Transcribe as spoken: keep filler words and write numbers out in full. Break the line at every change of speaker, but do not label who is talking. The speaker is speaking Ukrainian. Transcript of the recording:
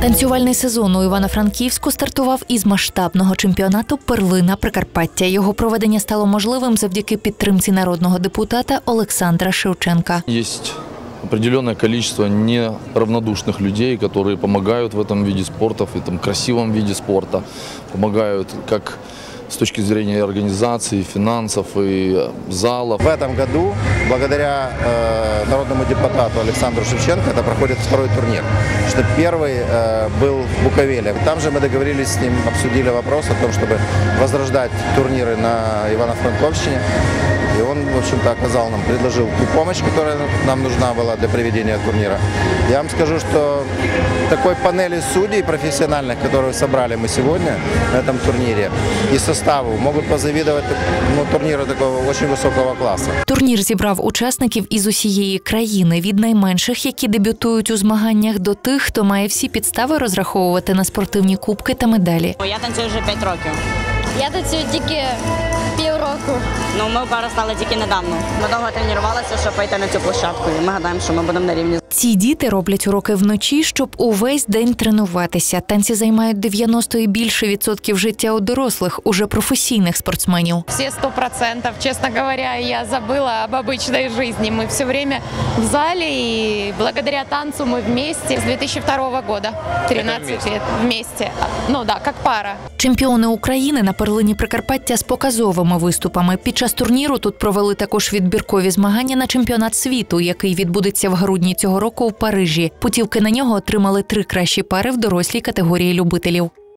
Танцювальний сезон у Івано-Франківську стартував із масштабного чемпіонату «Перлина Прикарпаття». Його проведення стало можливим завдяки підтримці народного депутата Олександра Шевченка.
Є определенное количество неравнодушных людей, которые помогают в этом виде спорта, в этом красивом виде спорта, помогают как с точки зрения организации, финансов и залов.
В этом году, благодаря э, народному депутату Александру Шевченко, это проходит второй турнир. Что первый э, был в Буковеле. Там же мы договорились с ним, обсудили вопрос о том, чтобы возрождать турниры на Ивано-Франковщине. И он, в общем-то, оказал нам, предложил ту помощь, которая нам нужна была для проведения турнира. Я вам скажу, что такой панели судей профессиональных, которые собрали мы сегодня на этом турнире, и составу могут позавидовать, ну, турниру такого очень высокого класса.
Турнір зібрав учасників із усієї країни, від найменших, які дебютують у змаганнях, до тих, хто має всі підстави розраховувати на спортивні кубки та медалі.
Я танцюю вже п'ять років.
Я танцюю тільки півроку.
Ну, ми пара стали тільки недавно. Ми довго тренувалися, щоб вийти на цю площадку. І ми гадаємо, що ми будемо на рівні.
Ці діти роблять уроки вночі, щоб увесь день тренуватися. Танці займають дев'яносто і більше відсотків життя у дорослих, уже професійних спортсменів.
Всі сто відсотків, чесно говоря, я забула об обычной жизни. Ми все время в залі і благодаря танцю ми вместе з дві тисячі другого года. тринадцять лет вместе. Ну да, як пара.
Чемпіони України на перлині Прикарпаття з показовими виступами. Під час турніру тут провели також відбіркові змагання на чемпіонат світу, який відбудеться в грудні цього року у Парижі. Путівки на нього отримали три кращі пари в дорослій категорії любителів.